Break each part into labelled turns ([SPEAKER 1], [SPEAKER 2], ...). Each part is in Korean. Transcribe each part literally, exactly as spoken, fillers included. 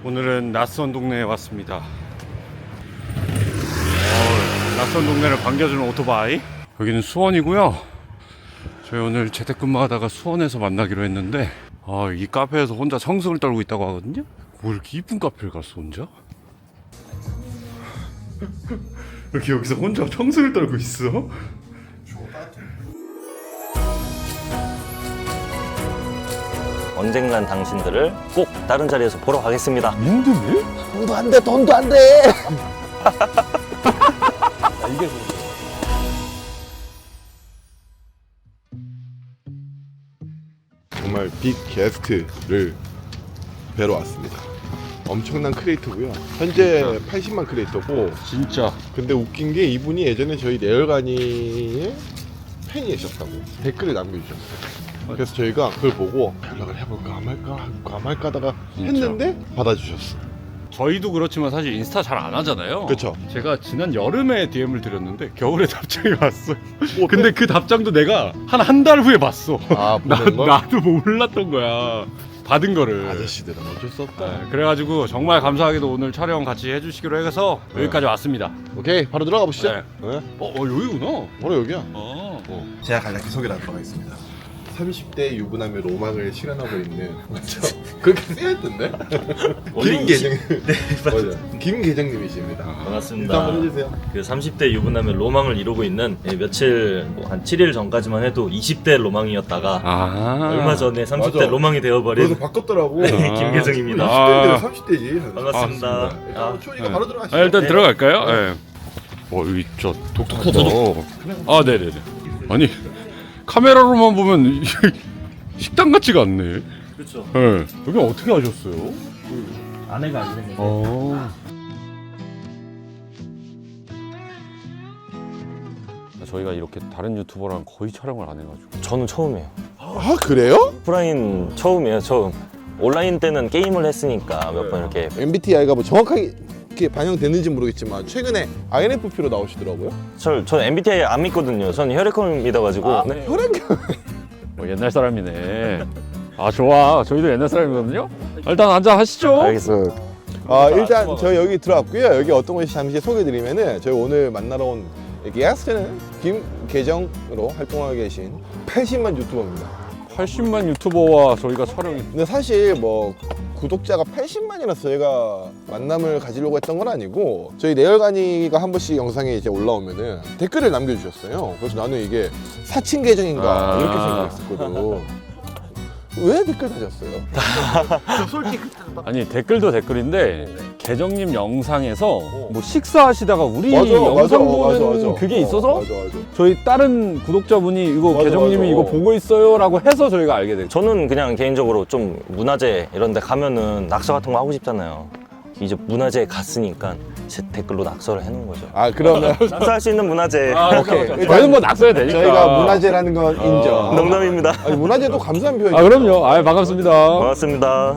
[SPEAKER 1] 오늘은 낯선 동네에 왔습니다. 어, 낯선 동네를 반겨주는 오토바이. 여기는 수원이고요. 저희 오늘 재택근무하다가 수원에서 만나기로 했는데 아, 이 카페에서 혼자 성승을 떨고 있다고 하거든요. 뭐 이렇게 이쁜 카페를 갔어 혼자? 이렇게 여기서 혼자 성승을 떨고 있어?
[SPEAKER 2] 언젠간 당신들을 꼭 다른 자리에서 보러 가겠습니다.
[SPEAKER 1] 힘드네?
[SPEAKER 2] 돈도 안 돼, 돈도 안 돼.
[SPEAKER 1] 이게
[SPEAKER 3] 정말 빅 게스트를 뵈러 왔습니다. 엄청난 크리에이터고요. 현재 팔십만 크리에이터고,
[SPEAKER 1] 진짜
[SPEAKER 3] 근데 웃긴 게 이분이 예전에 저희 내열간이의 팬이셨다고 댓글을 남겨주셨어요. 그래서 저희가 그걸 보고 연락을 해볼까 안 할까 할까 안 할까 하다가 했는데 받아주셨어.
[SPEAKER 1] 저희도 그렇지만 사실 인스타 잘 안 하잖아요.
[SPEAKER 3] 그쵸.
[SPEAKER 1] 제가 지난 여름에 디엠을 드렸는데 겨울에 답장이 왔어요. 근데 그 답장도 내가 한 한 달 후에 봤어.
[SPEAKER 3] 아,
[SPEAKER 1] 나,
[SPEAKER 3] 보낸 거?
[SPEAKER 1] 나도 몰랐던 거야. 받은 거를.
[SPEAKER 3] 아저씨들은 어쩔 수 없다.
[SPEAKER 1] 네, 그래가지고 정말 감사하게도 오늘 촬영 같이 해주시기로 해서
[SPEAKER 3] 네.
[SPEAKER 1] 여기까지 왔습니다.
[SPEAKER 3] 오케이, 바로 들어가 보시죠.
[SPEAKER 1] 네.
[SPEAKER 3] 네.
[SPEAKER 1] 어, 어 여기구나.
[SPEAKER 3] 바로 여기야.
[SPEAKER 1] 어.
[SPEAKER 3] 어. 제가 간략히 소개를 하도록 하겠습니다. 삼십 대 유부남의 로망을 실현하고 있는 맞죠? 그렇게 쓰여있던데? 김계정 네, 맞아. 김계정님이십니다.
[SPEAKER 2] 반갑습니다.
[SPEAKER 3] 인사 한번 해주세요.
[SPEAKER 2] 그 삼십 대 유부남의 로망을 이루고 있는 예, 며칠 뭐 한 칠 일 전까지만 해도 이십 대 로망이었다가
[SPEAKER 1] 아.
[SPEAKER 2] 얼마 전에 삼십 대
[SPEAKER 3] 맞아.
[SPEAKER 2] 로망이 되어버린
[SPEAKER 3] 그래서 바꿨더라고.
[SPEAKER 2] 네,
[SPEAKER 1] 아.
[SPEAKER 2] 김계정입니다.
[SPEAKER 1] 아.
[SPEAKER 3] 이십 대인데 삼십 대지.
[SPEAKER 2] 반갑습니다.
[SPEAKER 1] 아,
[SPEAKER 3] 일단
[SPEAKER 2] 아,
[SPEAKER 3] 초이가
[SPEAKER 1] 네.
[SPEAKER 3] 바로 들어가시죠.
[SPEAKER 1] 아, 일단
[SPEAKER 2] 네.
[SPEAKER 1] 들어갈까요? 네. 어, 여기 저 독특하다. 아, 네네네. 아니 카메라로만 보면 식당 같지가 않네.
[SPEAKER 2] 그렇죠.
[SPEAKER 1] 네. 여기 어떻게 하셨어요?
[SPEAKER 2] 아내가 안 되는
[SPEAKER 1] 어. 저희가 이렇게 다른 유튜버랑 거의 촬영을 안 해가지고.
[SPEAKER 2] 저는 처음이에요.
[SPEAKER 3] 아 그래요?
[SPEAKER 2] 오프라인 처음이에요. 처음. 온라인 때는 게임을 했으니까 몇 번 이렇게
[SPEAKER 3] 엠비티아이가 뭐 정확하게 이렇게 반영됐는지 모르겠지만 최근에 아이엔에프피로 나오시더라고요.
[SPEAKER 2] 저, 저 엠비티아이 안 믿거든요. 저는 혈액형을 믿어가지고
[SPEAKER 3] 아,
[SPEAKER 2] 네.
[SPEAKER 3] 혈액형.
[SPEAKER 1] 뭐 옛날 사람이네. 아 좋아. 저희도 옛날 사람이거든요. 일단 앉아 하시죠.
[SPEAKER 2] 알겠습니다.
[SPEAKER 3] 아 일단 저희 여기 들어왔고요. 여기 어떤 곳이 잠시 소개드리면은 저희 오늘 만나러 온 게스트는 김계정으로 활동하고 계신 팔십만 유튜버입니다.
[SPEAKER 1] 팔십만 유튜버와 저희가 촬영이.
[SPEAKER 3] 근데 사실 뭐 구독자가 팔십만이라서 저희가 만남을 가지려고 했던 건 아니고 저희 내열간이가 한 번씩 영상에 이제 올라오면은 댓글을 남겨주셨어요. 그래서 나는 이게 사칭 계정인가
[SPEAKER 1] 아.
[SPEAKER 3] 이렇게 생각했었거든. 왜 댓글 다셨어요?
[SPEAKER 1] 아니 댓글도 댓글인데 계정님 영상에서 뭐 식사하시다가 우리
[SPEAKER 3] 맞아,
[SPEAKER 1] 영상
[SPEAKER 3] 맞아,
[SPEAKER 1] 보는
[SPEAKER 3] 맞아, 맞아.
[SPEAKER 1] 그게
[SPEAKER 3] 어,
[SPEAKER 1] 있어서
[SPEAKER 3] 맞아, 맞아.
[SPEAKER 1] 저희 다른 구독자분이 이거
[SPEAKER 3] 맞아,
[SPEAKER 1] 계정님이
[SPEAKER 3] 맞아.
[SPEAKER 1] 이거 보고 있어요라고 해서 저희가 알게 됐죠.
[SPEAKER 2] 저는 그냥 개인적으로 좀 문화재 이런 데 가면은 낙서 같은 거 하고 싶잖아요. 이제 문화재에 갔으니까 제 댓글로 낙서를 해놓은 거죠.
[SPEAKER 3] 아 그러면
[SPEAKER 2] 낙서할 수 있는 문화재.
[SPEAKER 3] 오케이.
[SPEAKER 1] 저희는 뭐 낙서야 되니까.
[SPEAKER 3] 저희가 문화재라는 건 인정.
[SPEAKER 2] 농담입니다.
[SPEAKER 3] 아니, 문화재도 감사한 표현이죠.
[SPEAKER 1] 아 그럼요. 아 반갑습니다.
[SPEAKER 2] 반갑습니다.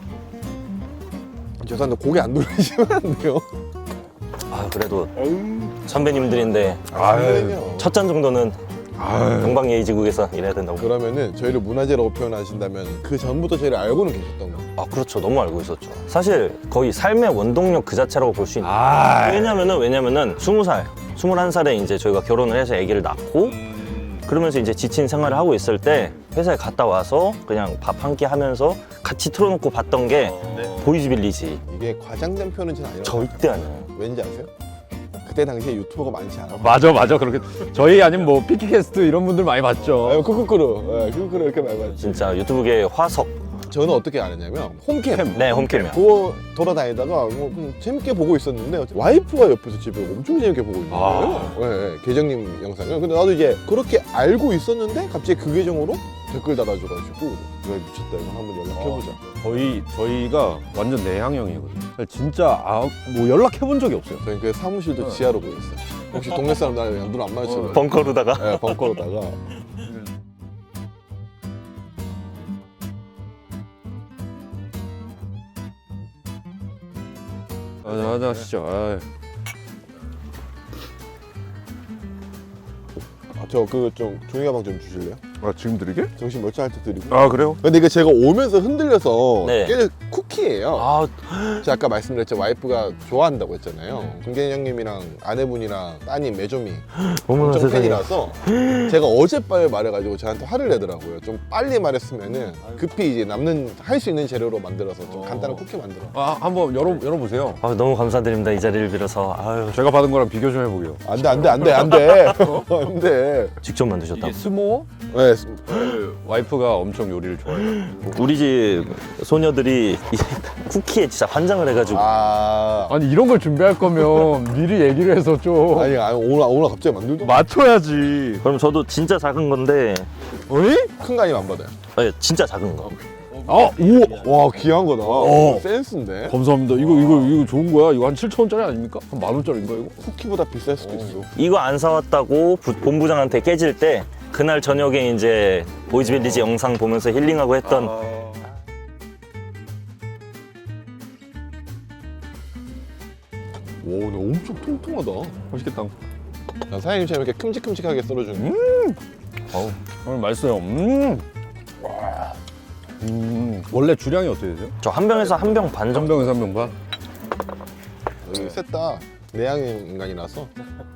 [SPEAKER 3] 죄송한데 고개 안 돌리시면 안 돼요.
[SPEAKER 2] 아 그래도 선배님들인데
[SPEAKER 3] 아유.
[SPEAKER 2] 첫 잔 정도는
[SPEAKER 3] 아유.
[SPEAKER 2] 동방예의지국에서 일해야 된다고.
[SPEAKER 3] 그러면은 저희를 문화재라고 표현하신다면 그 전부터 저희를 알고는 계셨던 거.
[SPEAKER 2] 아 그렇죠. 너무 알고 있었죠. 사실 거의 삶의 원동력 그 자체라고 볼 수 있는.
[SPEAKER 1] 아
[SPEAKER 2] 왜냐면은 왜냐면은 스무 살, 스물한 살에 이제 저희가 결혼을 해서 아기를 낳고 그러면서 이제 지친 생활을 하고 있을 때 회사에 갔다 와서 그냥 밥 한 끼 하면서 같이 틀어놓고 봤던 게 보이즈빌리지.
[SPEAKER 3] 이게 과장된 표현은 전 아니라고.
[SPEAKER 2] 절대 아니에요.
[SPEAKER 3] 왠지 아세요? 그때 당시에 유튜버가 많지 않아.
[SPEAKER 1] 맞아 맞아 그렇게 저희 아니면 뭐 피키캐스트 이런 분들 많이 봤죠.
[SPEAKER 3] 아유 쿠쿠쿠루, 예, 쿠쿠쿠루 이렇게 많이 봤지.
[SPEAKER 2] 진짜 유튜브계의 화석.
[SPEAKER 3] 저는 어떻게 알았냐면 홈캠.
[SPEAKER 2] 네, 홈캠이요.
[SPEAKER 3] 그거 돌아다니다가 뭐 좀 재밌게 보고 있었는데 와이프가 옆에서 집에 엄청 재밌게 보고 있는 거예요.
[SPEAKER 1] 아.
[SPEAKER 3] 예, 예, 계정님 영상을. 근데 나도 이제 그렇게 알고 있었는데 갑자기 그 계정으로 댓글 달아줘가지고 왜 미쳤다 이거 한번 연락해보자.
[SPEAKER 1] 저희 저희가 완전 내향형이거든요. 진짜 아, 뭐 연락해 본 적이 없어요.
[SPEAKER 3] 저희 그 사무실도 지하로 보고 있어요. 혹시 동네 사람 나랑 눈 안 마주치고
[SPEAKER 2] 벙커로다가.
[SPEAKER 3] 예, 벙커로다가.
[SPEAKER 1] 아, 하자 하시죠. 아,
[SPEAKER 3] 아, 저 그 좀 종이 가방 좀 주실래요?
[SPEAKER 1] 아 지금 드리게?
[SPEAKER 3] 정신 멀쩡할 때 드리고.
[SPEAKER 1] 아 그래요?
[SPEAKER 3] 근데 이게 제가 오면서 흔들려서
[SPEAKER 2] 네.
[SPEAKER 3] 깨 쿠키 쿠키예요.
[SPEAKER 2] 아,
[SPEAKER 3] 제가 아까 말씀드렸죠. 와이프가 좋아한다고 했잖아요. 금계인 형님이랑 아내분이랑 따님 매조미
[SPEAKER 2] 어머나
[SPEAKER 3] 엄청
[SPEAKER 2] 세상에.
[SPEAKER 3] 팬이라서 제가 어젯밤에 말해가지고 저한테 화를 내더라고요. 좀 빨리 말했으면은 급히 이제 남는 할 수 있는 재료로 만들어서 좀 간단한 쿠키 만들어.
[SPEAKER 1] 아, 한번 열어 열어보세요.
[SPEAKER 2] 아, 너무 감사드립니다. 이 자리를 빌어서. 아유,
[SPEAKER 1] 제가 받은 거랑 비교 좀 해보게요.
[SPEAKER 3] 안돼 안돼 안돼 안돼 안돼.
[SPEAKER 2] 직접 만드셨다고.
[SPEAKER 1] 스모어?
[SPEAKER 3] 네,
[SPEAKER 1] 와이프가 엄청 요리를 좋아해요.
[SPEAKER 2] 우리 집 소녀들이 이 쿠키에 진짜 환장을 해가지고.
[SPEAKER 3] 아
[SPEAKER 1] 아니 이런 걸 준비할 거면 미리 얘기를 해서 좀
[SPEAKER 3] 아니 아니 오늘 오늘 갑자기 만들도
[SPEAKER 1] 맞춰야지.
[SPEAKER 2] 그럼 저도 진짜 작은 건데,
[SPEAKER 1] 어이?
[SPEAKER 3] 큰 거 아니면 안 받아요.
[SPEAKER 2] 아니, 진짜 작은 거.
[SPEAKER 1] 아, 오!
[SPEAKER 3] 와 귀한 거다.
[SPEAKER 1] 어.
[SPEAKER 3] 센스인데.
[SPEAKER 1] 감사합니다. 이거 이거 이거 좋은 거야. 이거 한 칠천 원짜리 아닙니까? 한 만 원짜리인가 이거?
[SPEAKER 3] 쿠키보다 비쌀 수도 있어.
[SPEAKER 2] 이거 안 사왔다고 부- 본부장한테 깨질 때 그날 저녁에 이제 보이즈빌리지 영상 보면서 힐링하고 했던
[SPEAKER 3] 오, 근데 엄청 통통하다.
[SPEAKER 1] 맛있겠다.
[SPEAKER 3] 난 사장님처럼 이렇게 큼직큼직하게 썰어주는.
[SPEAKER 2] 어우,
[SPEAKER 1] 오늘 맛있어요. 음. 와. 음. 원래 주량이 어떻게 되세요?
[SPEAKER 2] 저 한 병에서 한 병 반
[SPEAKER 1] 한
[SPEAKER 2] 정도.
[SPEAKER 1] 병에서 한 병 반?
[SPEAKER 3] 여기 셋다 내향 인간이라서.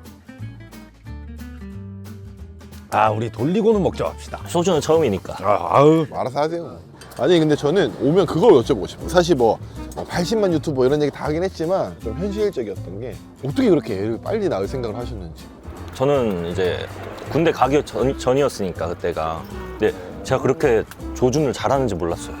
[SPEAKER 1] 아, 우리 돌리고는 먹자 합시다.
[SPEAKER 2] 소주는 처음이니까.
[SPEAKER 1] 아, 아우.
[SPEAKER 3] 알아서 하세요. 아니 근데 저는 오면 그걸 여쭤보고 싶어요. 사실 뭐 팔십만 유튜버 이런 얘기 다 하긴 했지만 좀 현실적이었던 게 어떻게 그렇게 애를 빨리 낳을 생각을 하셨는지.
[SPEAKER 2] 저는 이제 군대 가기 전, 전이었으니까 그때가. 근데 제가 그렇게 조준을 잘하는지 몰랐어요.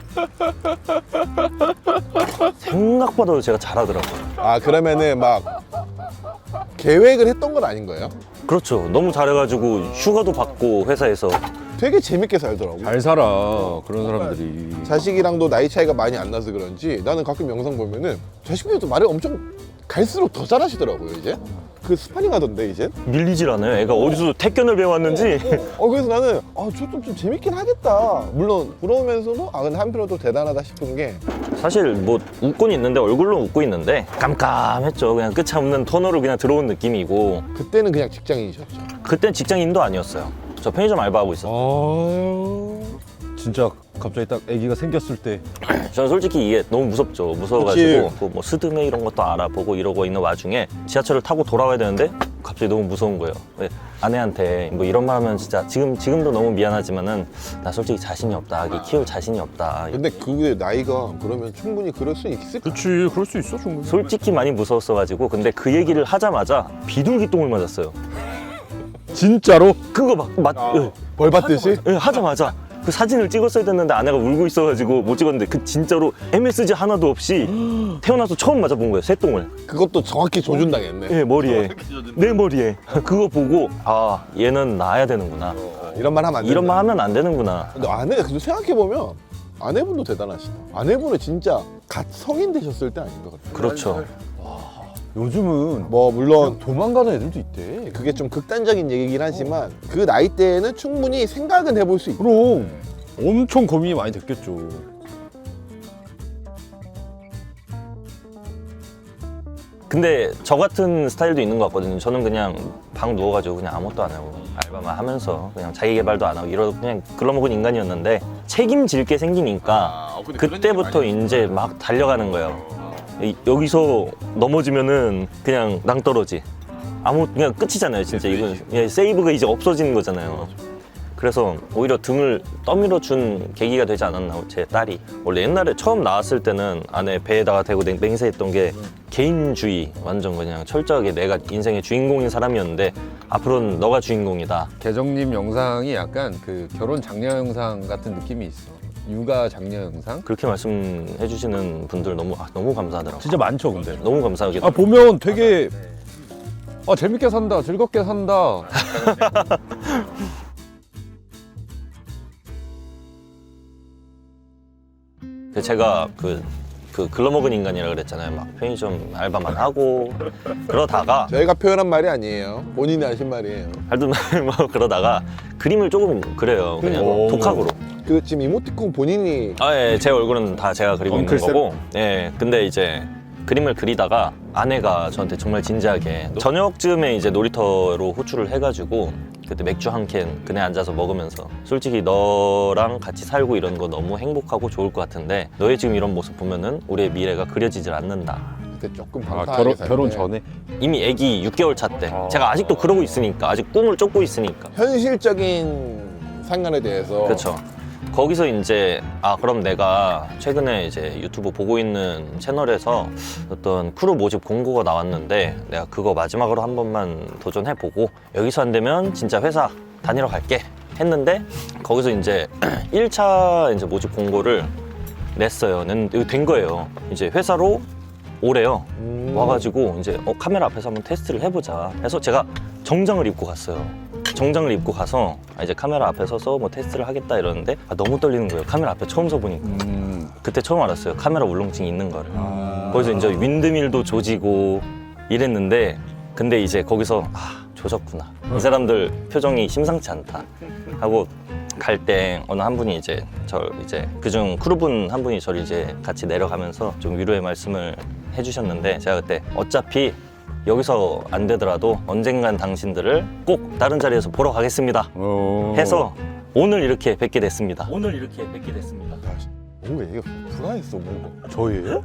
[SPEAKER 2] 생각보다 제가 잘하더라고요.
[SPEAKER 3] 아 그러면은 막 계획을 했던 건 아닌 거예요?
[SPEAKER 2] 그렇죠. 너무 잘해가지고 휴가도 받고 회사에서.
[SPEAKER 3] 되게 재밌게 살더라고.
[SPEAKER 1] 잘 살아. 그런 사람들이.
[SPEAKER 3] 자식이랑도 나이 차이가 많이 안 나서 그런지 나는 가끔 영상 보면은 자식들도 말을 엄청 갈수록 더 잘하시더라고요 이제. 그 스파링 하던데 이제.
[SPEAKER 2] 밀리질 않아요. 애가 어디서 태권을 배워왔는지.
[SPEAKER 3] 어 그래서 나는 아 저 좀 좀 재밌긴 하겠다. 물론 부러우면서도 아 근데 한편으로 또 대단하다 싶은 게
[SPEAKER 2] 사실 뭐 웃고는 있는데 얼굴로 웃고 있는데 깜깜했죠. 그냥 끝이 없는 터널을 그냥 들어온 느낌이고.
[SPEAKER 3] 그때는 그냥 직장인이셨죠.
[SPEAKER 2] 그땐 직장인도 아니었어요. 저 편의점 알바하고 있었어요.
[SPEAKER 1] 아유. 진짜 갑자기 딱 아기가 생겼을 때
[SPEAKER 2] 저는 솔직히 이게 너무 무섭죠. 무서워가지고 그뭐 스드메 이런 것도 알아보고 이러고 있는 와중에 지하철을 타고 돌아와야 되는데 갑자기 너무 무서운 거예요. 왜? 아내한테 뭐 이런 말 하면 진짜 지금, 지금도 너무 미안하지만은 나 솔직히 자신이 없다. 아기 키울 자신이 없다.
[SPEAKER 3] 근데 그게 나이가 그러면 충분히 그럴 수 있을 까
[SPEAKER 1] 그렇지. 그럴 수 있어 충분히.
[SPEAKER 2] 솔직히 많이 무서웠어가지고 근데 그 얘기를 하자마자 비둘기똥을 맞았어요.
[SPEAKER 1] 진짜로?
[SPEAKER 2] 그거 막 맞, 예.
[SPEAKER 3] 벌 받듯이?
[SPEAKER 2] 예, 하자마자 그 사진을 찍었어야 됐는데 아내가 울고 있어가지고 못 찍었는데 그 진짜로 엠에스지 하나도 없이 태어나서 처음 맞아본 거예요. 새똥을.
[SPEAKER 3] 그것도 정확히 조준당했네.
[SPEAKER 2] 예, 머리에. 내 머리에. 그거 보고 아 얘는 낳아야 되는구나.
[SPEAKER 3] 이런 말 하면 안 된다.
[SPEAKER 2] 이런 말 하면 안 되는구나.
[SPEAKER 3] 근데 아내 근데 생각해보면 아내분도 대단하시다. 아내분은 진짜 갓 성인 되셨을 때 아닌 것 같아요.
[SPEAKER 2] 그렇죠.
[SPEAKER 1] 요즘은
[SPEAKER 3] 뭐 물론
[SPEAKER 1] 도망가는 애들도 있대.
[SPEAKER 3] 그게 좀 극단적인 얘기긴 하지만 그 나이 때에는 충분히 생각은 해볼 수 있고.
[SPEAKER 1] 그럼 엄청 고민이 많이 됐겠죠.
[SPEAKER 2] 근데 저 같은 스타일도 있는 것 같거든요. 저는 그냥 방 누워가지고 그냥 아무것도 안 하고 알바만 하면서 그냥 자기 개발도 안 하고 이러고 그냥 글러먹은 인간이었는데 책임질 게 생기니까
[SPEAKER 3] 아, 근데 그런
[SPEAKER 2] 그때부터
[SPEAKER 3] 얘기 많이
[SPEAKER 2] 이제 막 달려가는 거예요. 이- 여기서 넘어지면은 그냥 낭떠러지. 아무 그냥 끝이잖아요. 진짜 이건 예, 세이브가 이제 없어지는 거잖아요. 그래서 오히려 등을 떠밀어 준 계기가 되지 않았나 제 딸이. 원래 옛날에 처음 나왔을 때는 아내 배에다가 대고 맹- 맹세했던 게 개인주의, 완전 그냥 철저하게 내가 인생의 주인공인 사람이었는데 앞으로는 너가 주인공이다.
[SPEAKER 1] 계정님 영상이 약간 그 결혼 장려 영상 같은 느낌이 있어. 육아 장려 영상?
[SPEAKER 2] 그렇게 말씀해 주시는 분들 너무 아, 너무 감사하더라고요.
[SPEAKER 1] 진짜 많죠 근데.
[SPEAKER 2] 너무 감사하게.
[SPEAKER 1] 아 보면 되게 아 재밌게 산다, 즐겁게 산다.
[SPEAKER 2] 제가 그, 그 글러먹은 인간이라 그랬잖아요. 막 편의점 알바만 하고 그러다가
[SPEAKER 3] 저희가 표현한 말이 아니에요. 본인이 하신 말이에요.
[SPEAKER 2] 하여튼 뭐 그러다가 그림을 조금 그려요. 그냥
[SPEAKER 1] 오.
[SPEAKER 2] 독학으로.
[SPEAKER 3] 그 지금 이모티콘 본인이
[SPEAKER 2] 아, 예, 제 얼굴은 다 제가 그리고 있는
[SPEAKER 3] 엉클
[SPEAKER 2] 거고. 예, 근데 이제 그림을 그리다가 아내가 저한테 정말 진지하게 저녁쯤에 이제 놀이터로 호출을 해가지고 그때 맥주 한 캔 그네 앉아서 먹으면서 솔직히 너랑 같이 살고 이런 거 너무 행복하고 좋을 것 같은데 너의 지금 이런 모습 보면은 우리의 미래가 그려지질 않는다.
[SPEAKER 3] 그때 조금
[SPEAKER 1] 아,
[SPEAKER 3] 방탕하게
[SPEAKER 1] 결혼,
[SPEAKER 3] 살
[SPEAKER 1] 결혼
[SPEAKER 3] 때
[SPEAKER 1] 전에?
[SPEAKER 2] 이미 아기 육 개월 차 때 제가 아직도 그러고 있으니까 아직 꿈을 쫓고 있으니까
[SPEAKER 3] 현실적인 상관에 대해서
[SPEAKER 2] 그렇죠. 거기서 이제 아 그럼 내가 최근에 이제 유튜브 보고 있는 채널에서 어떤 크루 모집 공고가 나왔는데 내가 그거 마지막으로 한 번만 도전해보고 여기서 안 되면 진짜 회사 다니러 갈게 했는데 거기서 이제 일 차 이제 모집 공고를 냈어요. 낸, 된 거예요. 이제 회사로 오래요.
[SPEAKER 3] 음.
[SPEAKER 2] 와가지고 이제 어, 카메라 앞에서 한번 테스트를 해보자 해서 제가 정장을 입고 갔어요. 정장을 입고 가서 아, 이제 카메라 앞에 서서 뭐 테스트를 하겠다 이러는데 아, 너무 떨리는 거예요. 카메라 앞에 처음 서보니까.
[SPEAKER 1] 음.
[SPEAKER 2] 그때 처음 알았어요. 카메라 울렁증이 있는 거를.
[SPEAKER 3] 아.
[SPEAKER 2] 거기서 이제 윈드밀도 조지고 이랬는데 근데 이제 거기서 아 조졌구나. 이 사람들 표정이 심상치 않다 하고 갈 때 어느 한 분이 이제 저 이제 그중 크루분 한 분이 저를 이제 같이 내려가면서 좀 위로의 말씀을 해주셨는데 제가 그때 어차피 여기서 안 되더라도 언젠간 당신들을 꼭 다른 자리에서 보러 가겠습니다
[SPEAKER 1] 어...
[SPEAKER 2] 해서 오늘 이렇게 뵙게 됐습니다. 오늘 이렇게 뵙게 됐습니다.
[SPEAKER 3] 뭔가 얘가 불안했어 뭔가.
[SPEAKER 1] 저예요?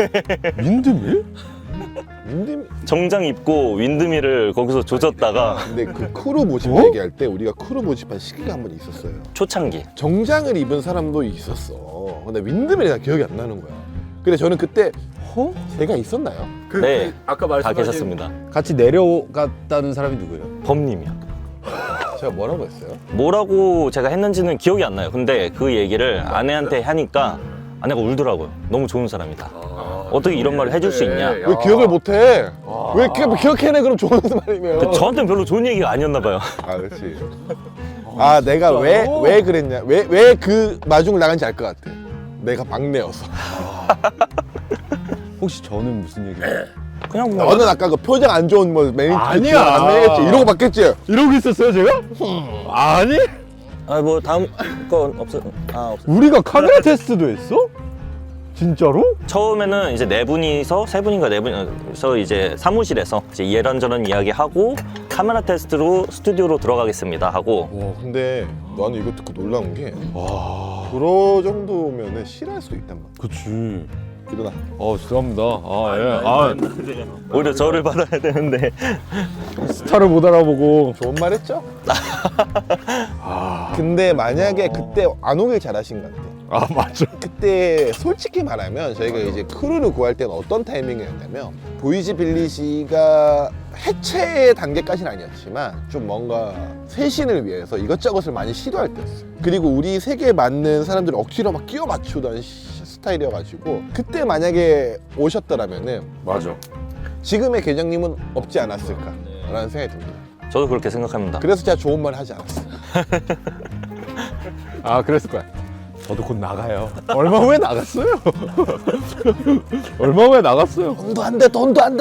[SPEAKER 1] 윈드밀?
[SPEAKER 3] 윈드밀
[SPEAKER 2] 정장 입고 윈드밀을 거기서 조졌다가
[SPEAKER 3] 근데 그 크루 모집
[SPEAKER 1] 어?
[SPEAKER 3] 얘기할 때 우리가 크루 모집한 시기가 한 번 있었어요.
[SPEAKER 2] 초창기
[SPEAKER 3] 정장을 입은 사람도 있었어. 근데 윈드밀이 다 기억이 안 나는 거야. 근데 저는 그때 어? 제가 있었나요?
[SPEAKER 4] 그,
[SPEAKER 2] 네,
[SPEAKER 4] 그 아까
[SPEAKER 2] 다
[SPEAKER 4] 말씀하신
[SPEAKER 2] 계셨습니다.
[SPEAKER 1] 같이 내려갔다는 사람이 누구예요?
[SPEAKER 2] 범님이요.
[SPEAKER 3] 제가 뭐라고 했어요?
[SPEAKER 2] 뭐라고 제가 했는지는 기억이 안 나요. 근데 그 얘기를 아내한테 하니까 아내가 울더라고요. 너무 좋은 사람이다. 어떻게 이런 말을 해줄 수 있냐.
[SPEAKER 3] 왜 기억을 못해? 왜 이렇게 기억해내 그럼 좋은 말이면.
[SPEAKER 2] 그 저한테는 별로 좋은 얘기가 아니었나 봐요.
[SPEAKER 3] 아 그렇지. 아 내가 왜 왜 그랬냐? 왜 왜 그 마중을 나간지 알 것 같아. 내가 막내여서.
[SPEAKER 1] 혹시 저는 무슨 얘기예요?
[SPEAKER 2] 그냥 뭐
[SPEAKER 3] 너는 아까 그 표정 안 좋은 뭐 매니저
[SPEAKER 1] 아니야.
[SPEAKER 3] 안 내겠지 이러고 받겠지.
[SPEAKER 1] 이러고 있었어요 제가? 아니?
[SPEAKER 2] 아 뭐 다음 건 없어. 아 없어.
[SPEAKER 1] 우리가 카메라 테스트도 했어? 진짜로?
[SPEAKER 2] 처음에는 이제 네 분이서 세 분인가 네 분이서 이제 사무실에서 이제 이런저런 이야기하고 카메라 테스트로 스튜디오로 들어가겠습니다 하고
[SPEAKER 3] 와 근데 나는 이거 듣고 놀라운 게 와. 그러 정도면은 싫어할 수도 있단 말이야.
[SPEAKER 1] 그치.
[SPEAKER 3] 일어나.
[SPEAKER 1] 어 죄송합니다. 아 예. 아
[SPEAKER 2] 오히려 저를 받아야 되는데
[SPEAKER 1] 스타를 못 알아보고.
[SPEAKER 3] 좋은 말 했죠? 근데 만약에 그때 안 오길 잘하신 것 같아.
[SPEAKER 1] 아 맞죠.
[SPEAKER 3] 그때 솔직히 말하면 저희가 이제 크루를 구할 때는 어떤 타이밍이었냐면 보이지빌리지가 해체 단계까지는 아니었지만 좀 뭔가 쇄신을 위해서 이것저것을 많이 시도할 때였어요. 그리고 우리 색에 맞는 사람들을 억지로 막 끼워 맞추던 시- 스타일이어가지고 그때 만약에 오셨더라면은
[SPEAKER 1] 맞아.
[SPEAKER 3] 지금의 계장님은 없지 않았을까라는 생각이 듭니다.
[SPEAKER 2] 저도 그렇게 생각합니다.
[SPEAKER 3] 그래서 제가 좋은 말 하지 않았어요.
[SPEAKER 1] 아 그랬을 거야. 저도 곧 나가요. 얼마 후에 나갔어요. 얼마 후에 나갔어요.
[SPEAKER 3] 돈도 안 돼, 돈도 안 돼.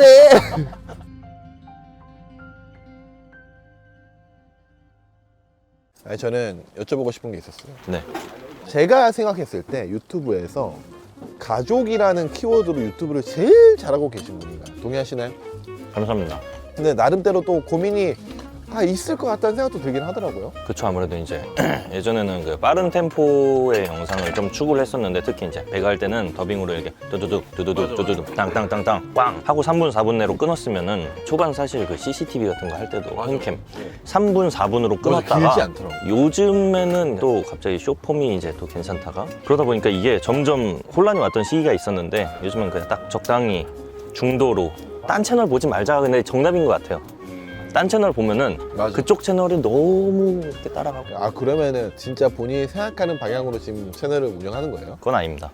[SPEAKER 3] 아니 저는 여쭤보고 싶은 게 있었어요.
[SPEAKER 2] 네.
[SPEAKER 3] 제가 생각했을 때 유튜브에서 가족이라는 키워드로 유튜브를 제일 잘하고 계신 분인가요? 동의하시나요?
[SPEAKER 2] 감사합니다.
[SPEAKER 3] 근데 나름대로 또 고민이 아, 있을 것 같다는 생각도 들긴 하더라고요.
[SPEAKER 2] 그쵸. 아무래도 이제 예전에는 그 빠른 템포의 영상을 좀 추구를 했었는데 특히 이제 배가 할 때는 더빙으로 이렇게 두두둑 두두둑 두두둑 땅땅땅땅 꽝 하고 삼 분 사 분 내로 끊었으면은 초반 사실 그 씨씨티비 같은 거 할 때도 홈캠 삼 분 사 분으로 끊었다가
[SPEAKER 3] 길지 않더라고.
[SPEAKER 2] 요즘에는 또 갑자기 숏폼이 이제 또 괜찮다가 그러다 보니까 이게 점점 혼란이 왔던 시기가 있었는데 요즘은 그냥 딱 적당히 중도로 딴 채널 보지 말자. 근데 정답인 것 같아요. 딴 채널 보면은
[SPEAKER 3] 맞아.
[SPEAKER 2] 그쪽 채널이 너무 이렇게 따라가고
[SPEAKER 3] 아 그러면은 진짜 본인이 생각하는 방향으로 지금 채널을 운영하는 거예요?
[SPEAKER 2] 그건 아닙니다.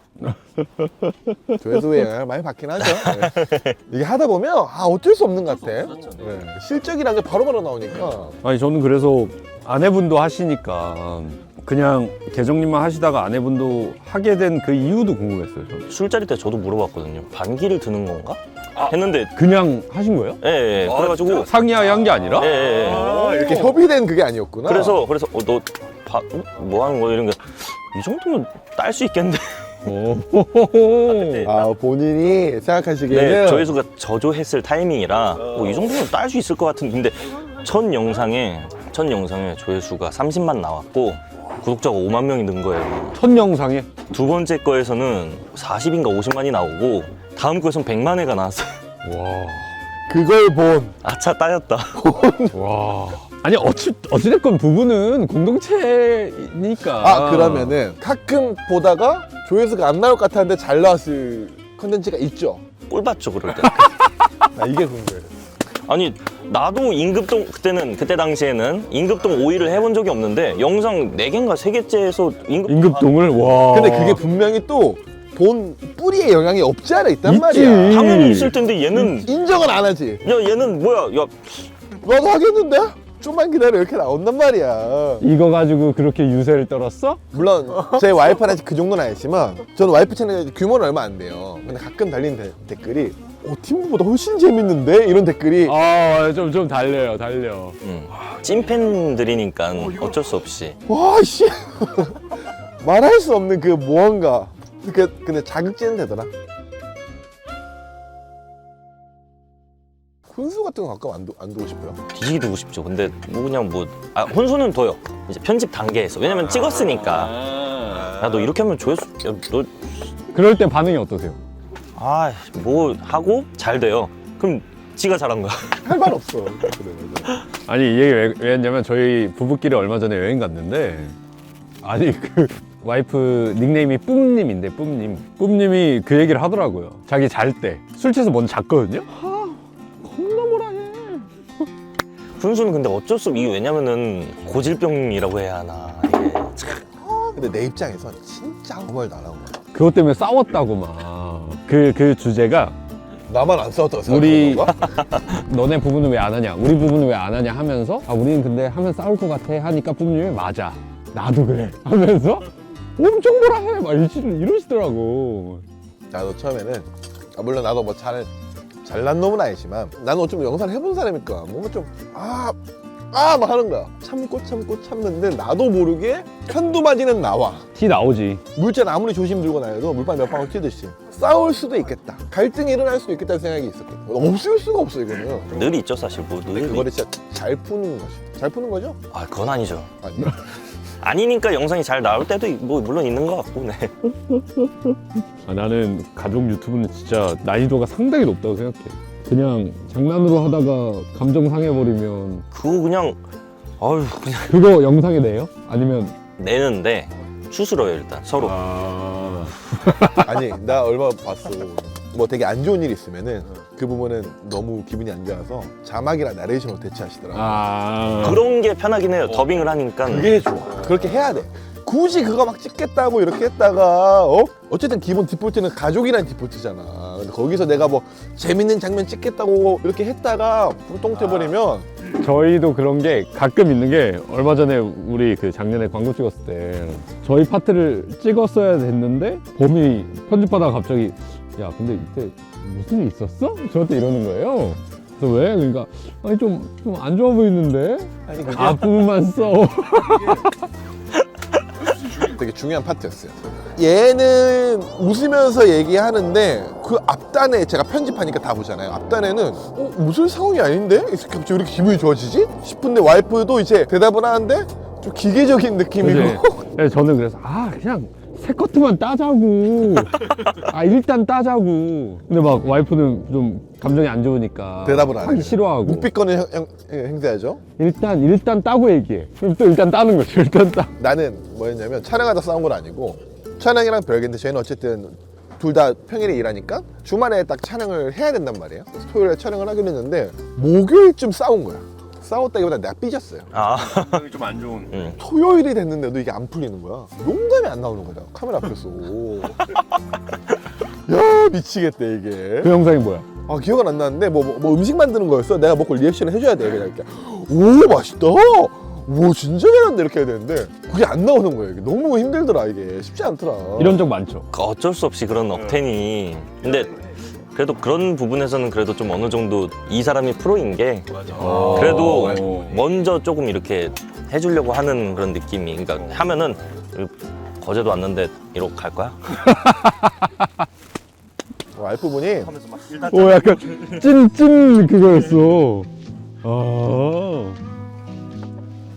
[SPEAKER 3] 조회수에 영향을 많이 받긴 하죠. 네. 이게 하다 보면 아 어쩔 수 없는 것 같아. 네. 실적이란 게 바로바로 나오니까.
[SPEAKER 1] 아니 저는 그래서 아내분도 하시니까 그냥 계정님만 하시다가 아내분도 하게 된 그 이유도 궁금했어요. 저는.
[SPEAKER 2] 술자리 때 저도 물어봤거든요. 반기를 드는 건가? 했는데
[SPEAKER 1] 그냥 하신 거예요?
[SPEAKER 2] 예, 예. 그래가지고
[SPEAKER 1] 상의하에 한 게 아니라?
[SPEAKER 2] 예, 예, 예.
[SPEAKER 3] 아, 이렇게 협의된 그게 아니었구나.
[SPEAKER 2] 그래서 그래서 어, 너 바, 어? 뭐 하는 거야 이런 게 이 정도면 딸 수 있겠는데.
[SPEAKER 1] 오.
[SPEAKER 3] 아 본인이 생각하시기에는
[SPEAKER 2] 네, 조회수가 저조했을 타이밍이라 뭐 이 정도면 딸 수 있을 것 같은데 근데 첫 영상에 첫 영상에 조회수가 삼십만 나왔고 구독자가 오만 명이 는 거예요.
[SPEAKER 1] 첫 영상에?
[SPEAKER 2] 두 번째 거에서는 사십인가 오십만이 나오고 다음 거에서는 백만 회가 나왔어요.
[SPEAKER 1] 와.
[SPEAKER 3] 그걸 본
[SPEAKER 2] 아차 따였다.
[SPEAKER 1] 와.
[SPEAKER 4] 아니 어찌 어찌됐건 부부는 공동체니까.
[SPEAKER 3] 아 그러면은 가끔 보다가 조회수가 안 나올 것 같았는데 잘 나왔을 컨텐츠가 있죠.
[SPEAKER 2] 꼴 봤죠 그럴 때.
[SPEAKER 3] 나 이게 궁금해.
[SPEAKER 2] 아니 나도 임급동 그때는 그때 당시에는 임급동 오 위를 해본 적이 없는데 영상 네 개인가 세 개째에서 임급동
[SPEAKER 4] 임급동을 와.
[SPEAKER 3] 근데 그게 분명히 또 본 뿌리에 영향이 없지 않아 있단
[SPEAKER 4] 있지.
[SPEAKER 3] 말이야.
[SPEAKER 2] 당연히 있을 텐데 얘는
[SPEAKER 3] 인정을 안 하지.
[SPEAKER 2] 야 얘는 뭐야 야
[SPEAKER 3] 나도 하겠는데? 좀만 기다려 이렇게 나온단 말이야.
[SPEAKER 4] 이거 가지고 그렇게 유세를 떨었어?
[SPEAKER 3] 물론 제 와이프는 아직 그 정도는 아니지만 저는 와이프 채널 규모는 얼마 안 돼요. 근데 가끔 달리는 데- 댓글이 어, 팀부보다 훨씬 재밌는데? 이런 댓글이
[SPEAKER 4] 아좀 좀 달려요 달려.
[SPEAKER 2] 음. 찐팬들이니까 어쩔 수 없이
[SPEAKER 3] 와씨 말할 수 없는 그 무언가. 그 근데 자극제는 되더라. 훈수 같은 거 가끔 안, 두, 안 두고 싶어요?
[SPEAKER 2] 뒤지게 두고 싶죠. 근데 뭐 그냥 뭐 아, 혼수는 둬요. 이제 편집 단계에서 왜냐면 찍었으니까 야 너 이렇게 하면 조회수 야너
[SPEAKER 4] 그럴 때 반응이 어떠세요?
[SPEAKER 2] 아, 뭐 하고 잘 돼요. 그럼 지가 잘한 거야.
[SPEAKER 3] 할 말 없어. 그래, 맞아.
[SPEAKER 4] 아니 이 얘기 왜, 왜 했냐면 저희 부부끼리 얼마 전에 여행 갔는데 아니 그 와이프 닉네임이 뿜님인데 뿜님 뿜님이 그 얘기를 하더라고요. 자기 잘 때 술 취해서 먼저 잤거든요. 아 겁나 뭐라 해.
[SPEAKER 2] 훈수는 근데 어쩔 수 없. 이게 왜냐면은 고질병이라고 해야 하나 이게 참.
[SPEAKER 3] 근데 내 입장에선 진짜 아무 말도 안 하고
[SPEAKER 4] 그것 때문에 싸웠다고 막. 그, 그 주제가
[SPEAKER 3] 나만 안 싸웠다고
[SPEAKER 4] 우리-
[SPEAKER 3] 생각하는 건가?
[SPEAKER 4] 너네 부부는 왜 안 하냐 우리 부부는 왜 안 하냐 하면서 아 우리는 근데 하면 싸울 것 같아 하니까 뿜님이 맞아 나도 그래 하면서 엄청 뭐라 해막 이러시더라고.
[SPEAKER 3] 나도 처음에는 아, 물론 나도 뭐 잘 잘난 놈은 아니지만 나는 좀 영상을 해본 사람이니까 뭔가 좀아아 막 하는 거야. 참고 참고 참는데 나도 모르게 편도바지는 나와.
[SPEAKER 4] 티 나오지.
[SPEAKER 3] 물잔 아무리 조심 들고 다녀도 물방 몇 방울 튀듯이 싸울 수도 있겠다. 갈등이 일어날 수도 있겠다는 생각이 있었거든. 없을 수가 없어 이거는.
[SPEAKER 2] 늘 있죠 사실 뭐 늘.
[SPEAKER 3] 그거를 진짜 잘 푸는 거지. 잘 푸는 거죠?
[SPEAKER 2] 아 그건 아니죠.
[SPEAKER 3] 아니요.
[SPEAKER 2] 아니니까 영상이 잘 나올 때도 뭐 물론 있는 것 같고 네.
[SPEAKER 4] 아, 나는 가족 유튜브는 진짜 난이도가 상당히 높다고 생각해. 그냥 장난으로 하다가 감정 상해버리면
[SPEAKER 2] 그거 그냥 아유 그냥
[SPEAKER 4] 그거 영상에 내요? 아니면
[SPEAKER 2] 내는데 추스러요 일단 서로.
[SPEAKER 4] 아...
[SPEAKER 3] 아니 나 얼마 봤어. 뭐 되게 안 좋은 일 있으면은 그 부분은 너무 기분이 안 좋아서 자막이랑 나레이션으로 대체하시더라고.
[SPEAKER 4] 아...
[SPEAKER 2] 그런 게 편하긴 해요. 더빙을 하니까.
[SPEAKER 3] 그게 좋아. 그렇게 해야 돼. 굳이 그거 막 찍겠다고 이렇게 했다가 어? 어쨌든 기본 디폴트는 가족이란 디폴트잖아. 근데 거기서 내가 뭐 재밌는 장면 찍겠다고 이렇게 했다가 불똥 튀어버리면
[SPEAKER 4] 저희도 그런 게 가끔 있는 게 얼마 전에 우리 그 작년에 광고 찍었을 때 저희 파트를 찍었어야 됐는데 범이 편집하다가 갑자기 야 근데 이때 무슨 일 있었어? 저한테 이러는 거예요. 그래서 왜? 그러니까 아니 좀 좀 안 좋아 보이는데
[SPEAKER 3] 아니 그게
[SPEAKER 4] 앞부분만 써.
[SPEAKER 3] 되게 중요한 파트였어요. 얘는 웃으면서 얘기하는데 그 앞단에 제가 편집하니까 다 보잖아요. 앞단에는 어, 웃을 상황이 아닌데? 이 새끼 갑자기 왜 이렇게 기분이 좋아지지? 싶은데 와이프도 이제 대답을 하는데 좀 기계적인 느낌이고
[SPEAKER 4] 그치? 그래서 저는 그래서 아 그냥 새 커트만 따자고. 아 일단 따자고. 근데 막 와이프는 좀 감정이 안 좋으니까
[SPEAKER 3] 대답을 안
[SPEAKER 4] 하기
[SPEAKER 3] 해요.
[SPEAKER 4] 싫어하고.
[SPEAKER 3] 묵비권을 행- 행- 행사하죠.
[SPEAKER 4] 일단 일단 따고 얘기해. 그럼 또 일단 따는 거죠. 일단 따.
[SPEAKER 3] 나는 뭐였냐면 촬영하다 싸운 건 아니고 촬영이랑 별개인데 저희는 어쨌든 둘 다 평일에 일하니까 주말에 딱 촬영을 해야 된단 말이에요. 그래서 토요일에 촬영을 하기로 했는데 목요일쯤 싸운 거야. 싸웠다기보다 내가 삐졌어요.
[SPEAKER 2] 아
[SPEAKER 1] 좀 안 좋은.
[SPEAKER 2] 응.
[SPEAKER 3] 토요일이 됐는데도 이게 안 풀리는 거야. 농담이 안 나오는 거야. 카메라 앞에서. 야 미치겠다 이게.
[SPEAKER 4] 그 영상이 뭐야?
[SPEAKER 3] 아 기억은 안 나는데 뭐, 뭐, 뭐 음식 만드는 거였어. 내가 먹고 리액션을 해줘야 돼. 그냥 이렇게 오 맛있다. 오 진짜 잘한다 이렇게 해야 되는데 그게 안 나오는 거예요. 이게 너무 힘들더라 이게 쉽지 않더라.
[SPEAKER 4] 이런 적 많죠.
[SPEAKER 2] 그 어쩔 수 없이 그런 억텐이. 근데 그래도 그런 부분에서는 그래도 좀 어느 정도 이 사람이 프로인 게
[SPEAKER 4] 어.
[SPEAKER 2] 그래도
[SPEAKER 4] 어.
[SPEAKER 2] 먼저 조금 이렇게 해주려고 하는 그런 느낌이. 그러니까 하면은 거제도 왔는데 이러고 갈 거야?
[SPEAKER 3] 와이프분이
[SPEAKER 4] 오 약간 찐찐 그거였어. 아.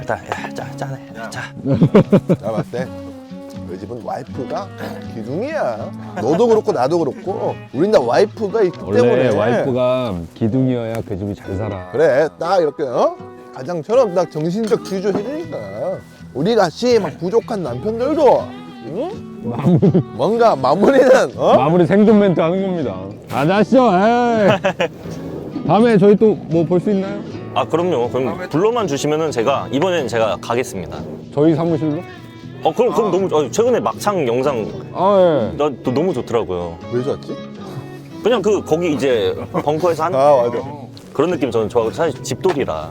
[SPEAKER 2] 일단 야, 짜, 짜네. 자.
[SPEAKER 3] 나 봤을 때 우리 집은 와이프가 기둥이야. 너도 그렇고 나도 그렇고 우린 다 와이프가 있기
[SPEAKER 4] 원래
[SPEAKER 3] 때문에.
[SPEAKER 4] 와이프가 기둥이어야 그 집이 잘 살아.
[SPEAKER 3] 그래 딱 이렇게 어? 가장처럼 딱 정신적 주주 해주니까 우리 같이 막 부족한 남편들도 응?
[SPEAKER 4] 마무리,
[SPEAKER 3] 뭔가 마무리는 어?
[SPEAKER 4] 마무리 생존 멘트 하는 겁니다. 가자쇼. 에이. 다음에 저희 또 뭐 볼 수 있나요?
[SPEAKER 2] 아 그럼요. 그럼 불러만 주시면은 제가 이번엔 제가 가겠습니다.
[SPEAKER 4] 저희 사무실로?
[SPEAKER 2] 어 그럼 그럼 너무 어, 최근에 막창 영상
[SPEAKER 4] 아 예.
[SPEAKER 2] 나 또 너무 좋더라고요.
[SPEAKER 3] 왜 좋았지?
[SPEAKER 2] 그냥 그 거기 이제 벙커에서 한
[SPEAKER 3] 아 맞아.
[SPEAKER 2] 그런 느낌 저는 좋아하고 사실 집돌이라.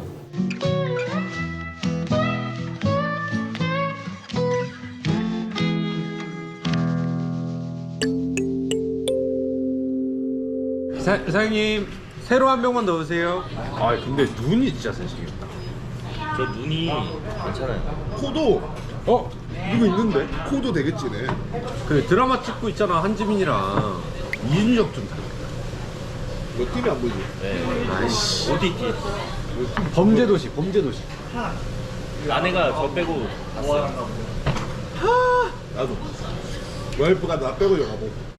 [SPEAKER 1] 사, 사장님 새로 한 병만 넣으세요. 아 근데 눈이 진짜 세시겠다.
[SPEAKER 2] 저 눈이 괜찮아요.
[SPEAKER 3] 코도 어? 이거 있는데? 코도 되게 진해.
[SPEAKER 1] 그 드라마 찍고 있잖아 한지민이랑 이준혁 좀 닮았다.
[SPEAKER 3] 너 팀이 안 보이지?
[SPEAKER 1] 아이씨
[SPEAKER 2] 어디 있지?
[SPEAKER 1] 범죄도시 범죄도시.
[SPEAKER 2] 아내가 저 빼고
[SPEAKER 3] 나도 와이프가 나 빼고 영화 보고